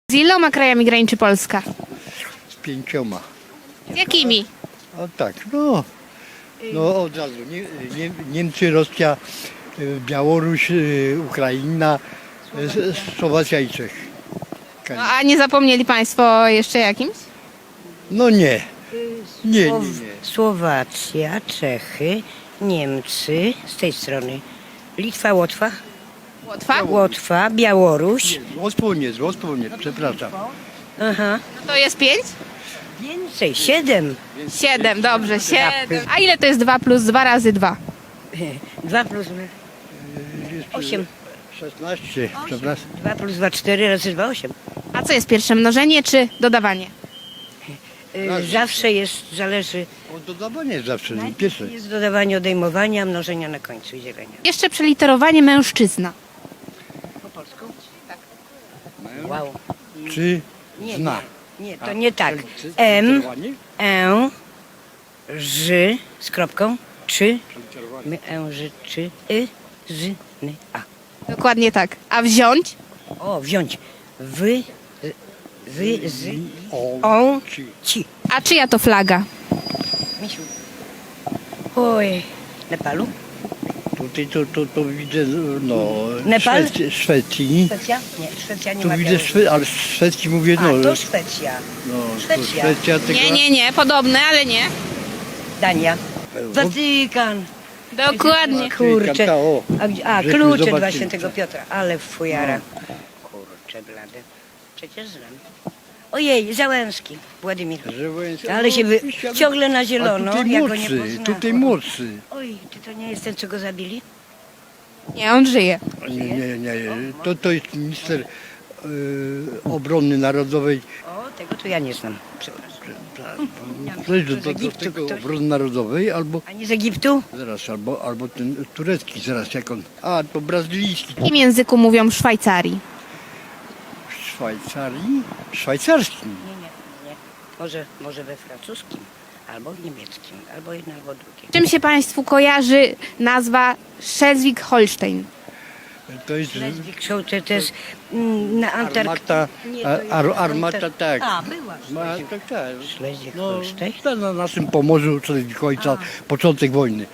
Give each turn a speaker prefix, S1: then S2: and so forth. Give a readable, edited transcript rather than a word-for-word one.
S1: Z iloma krajami graniczy Polska?
S2: Z 5.
S1: Z jakimi?
S2: A tak, no od razu. Niemcy, Rosja, Białoruś, Ukraina, Słowacja i Czech.
S1: No, a nie zapomnieli Państwo jeszcze jakimś?
S2: No nie. Nie.
S3: Słowacja, Czechy, Niemcy z tej strony. Litwa, Łotwa,
S1: Łotwa?
S3: Białoruś.
S2: Z Łotwą nie, przepraszam.
S3: Aha.
S1: No to jest 5?
S3: Więcej, 7.
S1: 7, dobrze, 7. A ile to jest 2 plus 2 razy 2?
S3: 2 plus 8.
S2: 16, przepraszam.
S3: 2 plus 2, 4 razy 2, 8.
S1: A co jest pierwsze, mnożenie czy dodawanie?
S3: Zawsze jest, zależy.
S2: O dodawanie zawsze, pierwsze.
S3: Jest dodawanie, odejmowania, mnożenia na końcu i dzielenia.
S1: Jeszcze przeliterowanie mężczyzna.
S3: Po polsku? Tak. Wow.
S2: Czy
S3: Nie,
S2: zna?
S3: nie, to nie tak.
S2: Czy-
S3: M,
S2: literowanie?
S3: Ż z kropką, czy, my, Ż, czy, z, n, a.
S1: Dokładnie tak. A wziąć?
S3: O, wziąć. Z,
S2: On,
S3: ci.
S1: A czyja to flaga?
S3: Misiu. Oj, Nepalu?
S2: Tutaj to widzę,
S3: Nepal?
S2: Szwecji.
S3: Szwecja? Nie, Szwecja nie
S2: Tu
S3: ma
S2: widzę,
S3: Białorusi.
S2: ale z Szwecji mówię,
S3: A, to Szwecja.
S2: to
S3: Szwecja.
S2: Szwecja tylko...
S1: Nie, podobne, ale nie.
S3: Dania. Watykan.
S1: Dokładnie.
S3: Kurczę.
S2: O,
S3: A
S2: żeśmy
S3: klucze dla
S2: zobaczyli.
S3: świętego Piotra. Ale fujara. Kurczę blady. Przecież znam. Ojej, Załęski. Władimir. Ale się ciągle na zielono.
S2: A tutaj
S3: ja go nie
S2: młodszy,
S3: poznałam.
S2: tutaj młodszy.
S3: Oj, czy to nie jest ten, co go zabili?
S1: Nie, on żyje.
S2: Nie. To jest minister obrony narodowej.
S3: O, tego to ja nie znam. Przepraszam.
S2: Ktoś
S3: z
S2: do
S3: Egiptu
S2: tego
S3: ktoś?
S2: obrony narodowej albo
S3: A nie z Egiptu?
S2: zaraz, albo ten turecki zaraz jak on. A, to brazylijski.
S1: W jakim języku mówią w Szwajcarii?
S2: W Szwajcarii? Szwajcarskim.
S3: Nie. Może we francuskim, albo w niemieckim, albo jedno, albo drugie.
S1: Czym się Państwu kojarzy nazwa Schleswig-Holstein?
S2: To jest
S3: Schleswig-Holstein to jest na
S2: armata,
S3: Nie, to jest
S2: armata, tak.
S3: A, była.
S2: Tak. No,
S3: Schleswig-Holstein.
S2: na naszym Pomorzu, czyli ojca, początek wojny.